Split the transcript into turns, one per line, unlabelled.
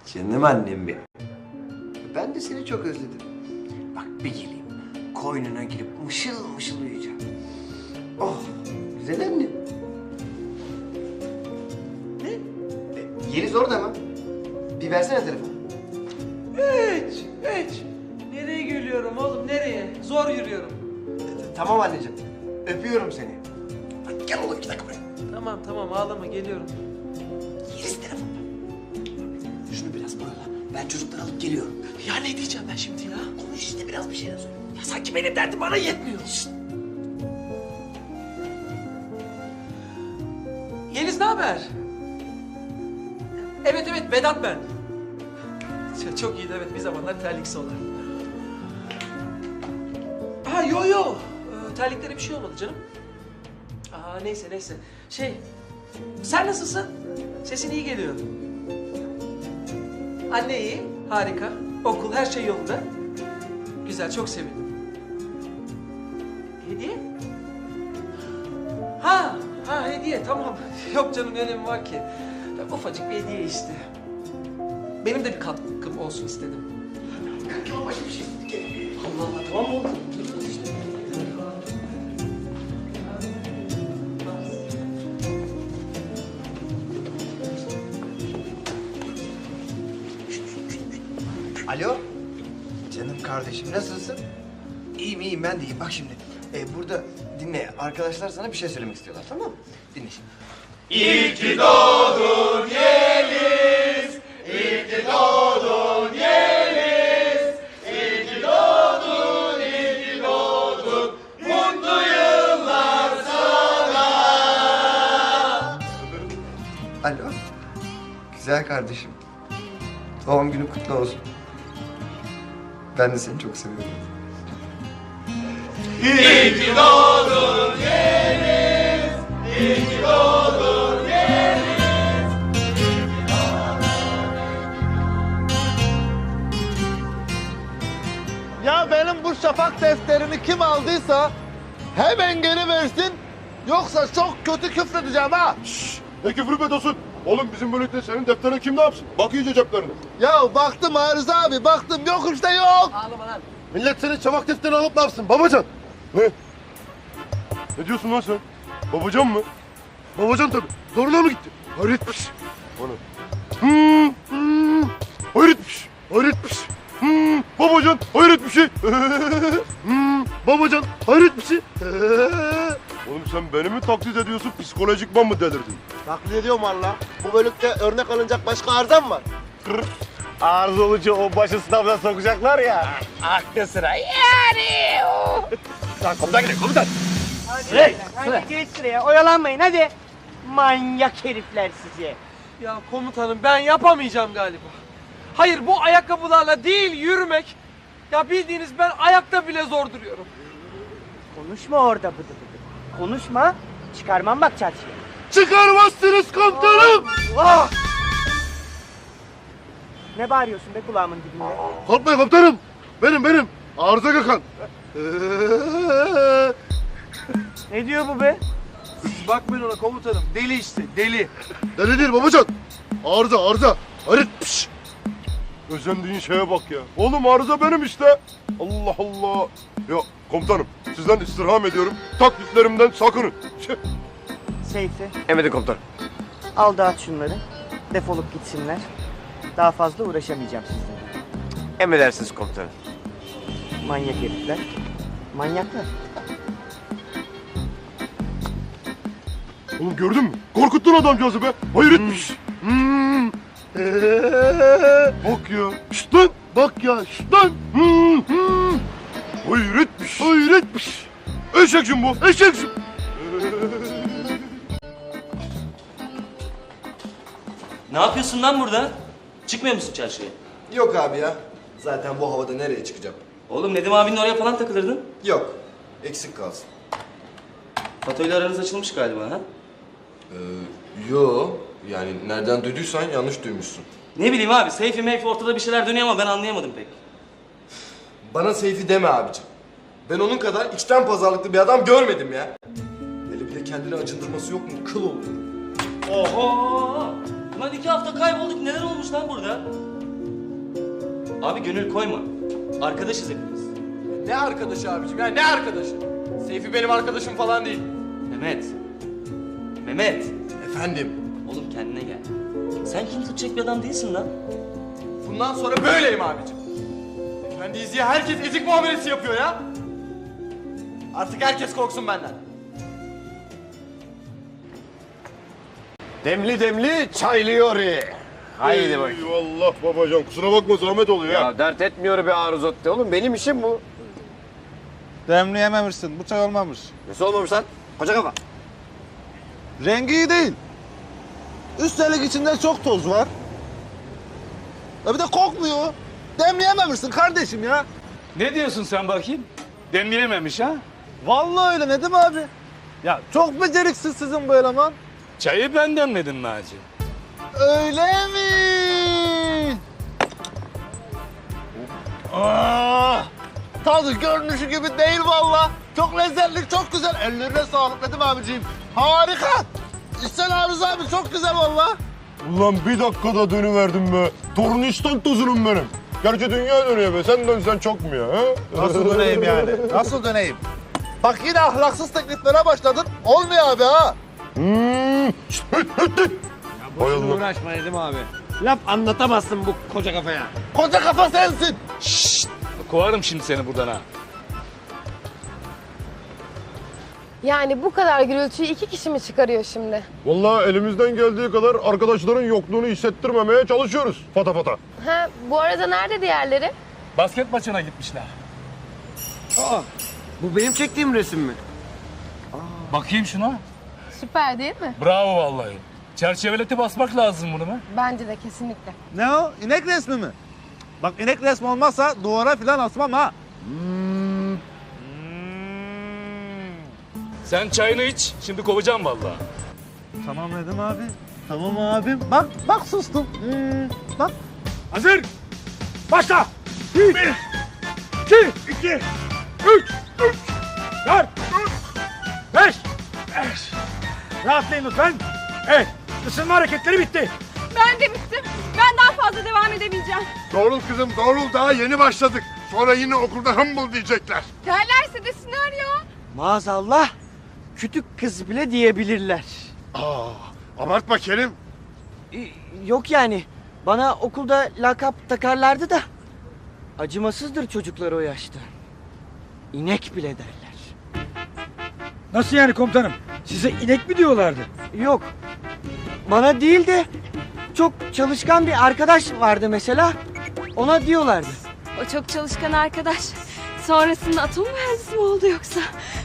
Canım annem benim. Ben de seni çok özledim. Bak bir geleyim, koynuna girip mışıl mışıl uyuyacağım. Oh, güzel annem. Ne? Yeliz orada mı? Bir versene telefonu.
Hiç. Nereye geliyorum oğlum, nereye? Zor yürüyorum.
Tamam anneciğim, öpüyorum seni. Hadi gel oğlum 2 dakika buraya.
Tamam ağlama, geliyorum.
Yeliz telefonda. Şunu biraz bağla, ben çocukları alıp geliyorum.
Ya ne diyeceğim ben şimdi ya?
Konuş işte biraz bir şeyler söyle.
Ya sanki benim derdim bana yetmiyor.
Şşt.
Yeliz ne haber? Evet Vedat ben. Çok iyiydi evet, bir zamanlar terliksi olan. Ha yo. Terliklere bir şey olmadı canım. Neyse. Sen nasılsın? Sesin iyi geliyor. Anne iyi, harika. Okul, her şey yolunda. Güzel, çok sevindim. Hediye? Ha hediye, tamam. Yok canım, ne önemi var ki? Ya, ufacık bir hediye işte. Benim de bir katkım olsun istedim.
Kanka başka bir şey.
Allah tamam mı oldu?
Alo. Canım kardeşim nasılsın? İyiyim ben de iyiyim. Bak şimdi burada dinle. Arkadaşlar sana bir şey söylemek istiyorlar, tamam mı? Dinle şimdi. Alo. Güzel kardeşim. Doğum günü kutlu olsun. Ben de seni çok seviyorum.
Ya benim bu şafak defterini kim aldıysa hemen geri versin. Yoksa çok kötü küfredeceğim ha.
Ne küfür ediyorsun? Oğlum bizim bölükte senin defterini kim ne yapsın? Bak iyice ceplerine.
Ya baktım Arıza abi baktım yok işte yok.
Ağlama lan.
Millet senin çabak defterini alıp ne yapsın? Babacan. Ne? Ne diyorsun lan sen? Babacan mı? Babacan tabii. Zoruna mı gitti? Hayretmiş. Bana. Hayretmiş. Babacan hayret bir şey. Babacan hayret bir şey. Oğlum sen beni mi taklit ediyorsun? Psikolojikman mı delirdin?
Taklit ediyorum valla. Bu bölükte örnek alınacak başka arıza mı var?
Arıza olunca o başı sınavına sokacaklar ya. Aklı sıra yani.
Komutan gidelim komutan.
Hadi geç sıraya, oyalanmayın hadi. Manyak herifler sizi.
Ya komutanım, ben yapamayacağım galiba. Hayır, bu ayakkabılarla değil yürümek. Ya bildiğiniz ben ayakta bile zor duruyorum.
Konuşma orada bıdı bıdı. Konuşma, çıkarmam bak çarşıya.
Çıkarmazsınız komutanım.
Ne bağırıyorsun be kulağımın dibinde?
Korkmayın komutanım. Benim. Arıza Gökhan.
Ne diyor bu be?
Bakmayın ona komutanım, deli işte, deli.
Deli değil babacan. Arıza. Hayret. Pişt. Özendiğin şeye bak ya. Oğlum arıza benim işte. Allah Allah. Ya komutanım sizden istirham ediyorum. Taklitlerimden sakının.
Seyfi,
Emredin komutanım.
al dağıt şunları. Defolup gitsinler. Daha fazla uğraşamayacağım sizinle.
Emredersiniz komutanım.
Manyak herifler. Manyaklar.
Oğlum gördün mü? Korkuttun adamcağızı be. Hayretmiş. Bak ya. Şşt lan. Bak ya. Şşt lan. Hayretmiş. Eşeksin bu. Eşeksin.
Ne yapıyorsun lan burada? Çıkmıyor musun çarşıya?
Yok abi ya. Zaten bu havada nereye çıkacağım?
Oğlum Nedim abinin oraya falan takılırdın.
Yok. Eksik kalsın.
Fatoyla aranız açılmış galiba ha?
Yo. Yani nereden duyduysan yanlış duymuşsun.
Ne bileyim abi, Seyfi meyfi ortada bir şeyler dönüyor ama ben anlayamadım pek.
Bana Seyfi deme abicim. Ben onun kadar içten pazarlıklı bir adam görmedim ya. Hele bir de kendini acındırması yok mu? Kıl olur.
Oho! Ulan 2 hafta kaybolduk, neler olmuş lan burada? Abi gönül koyma. Arkadaşız hepimiz.
Ne arkadaşı abicim ya, ne arkadaşı? Seyfi benim arkadaşım falan değil.
Mehmet. Mehmet.
Efendim?
Oğlum kendine gel. Sen kim tutacak bir adam değilsin lan.
Bundan sonra böyleyim abicim. Efendiyiz diye herkes ezik muamelesi yapıyor ya. Artık herkes korksun benden.
Demli demli çaylıyor. Haydi bak.
Eyvallah babacan. Kusura bakma zahmet oluyor ya.
Ya dert etmiyor be Arzutti oğlum. Benim işim bu.
Demleyememişsin. Bu çay olmamış.
Nasıl olmamış lan? Koca kafa.
Rengi iyi değil. Üstelik içinde çok toz var. Ya bir de kokmuyor. Demleyememişsin kardeşim ya.
Ne diyorsun sen bakayım? Demleyememiş ha?
Vallahi öyle, ne diyeyim abi? Ya çok beceriksiz sizin bu eleman.
Çayı ben demledim Naci.
Öyle mi? Ah, tadı görünüşü gibi değil vallahi. Çok lezzetli, çok güzel. Ellerine sağlık Nedim abiciğim. Harika. İhsan Arız abi çok güzel vallahi.
Ulan bir dakikada dönüverdim be. Tornistan tozunum benim. Gerçi dünya dönüyor be. Sen dönsen çok mu ya? He?
Nasıl döneyim yani? Nasıl döneyim? Bak yine ahlaksız tekliflere başladın. Olmuyor abi ha.
Hay Allah.
Uğraşma Nedim abi. Laf anlatamazsın bu koca kafaya.
Koca kafa sensin.
Kovarım şimdi seni buradan ha.
Yani bu kadar gürültüyü 2 kişi mi çıkarıyor şimdi?
Vallahi elimizden geldiği kadar arkadaşların yokluğunu hissettirmemeye çalışıyoruz. Fata fata.
Ha, bu arada nerede diğerleri?
Basket maçına gitmişler.
Bu benim çektiğim resim mi?
Bakayım şuna.
Süper değil mi?
Bravo vallahi. Çerçeveleti basmak lazım bunu be.
Bence de kesinlikle.
Ne o? İnek resmi mi? Bak inek resmi olmazsa duvara filan asmam ha.
Sen çayını iç, şimdi kovacağım vallahi.
Tamam Nedim abi. Tamam abim. Bak sustum. Bak.
Hazır. Başla. 1, 2, 3, 4, 5. Rahatlayın lütfen. Evet, ısınma hareketleri bitti.
Ben de bittim. Ben daha fazla devam edemeyeceğim.
Doğrul kızım doğrul, daha yeni başladık. Sonra yine okulda humble diyecekler.
Derlerse desinler ya.
Maazallah küçük kız bile diyebilirler.
Abartma Kerim.
Yok yani. Bana okulda lakap takarlardı da. Acımasızdır çocuklar o yaşta. İnek bile derler.
Nasıl yani komutanım? Size inek mi diyorlardı?
Yok. Bana değil de çok çalışkan bir arkadaş vardı mesela. Ona diyorlardı.
O çok çalışkan arkadaş. Sonrasında atom mühendisi mi oldu yoksa?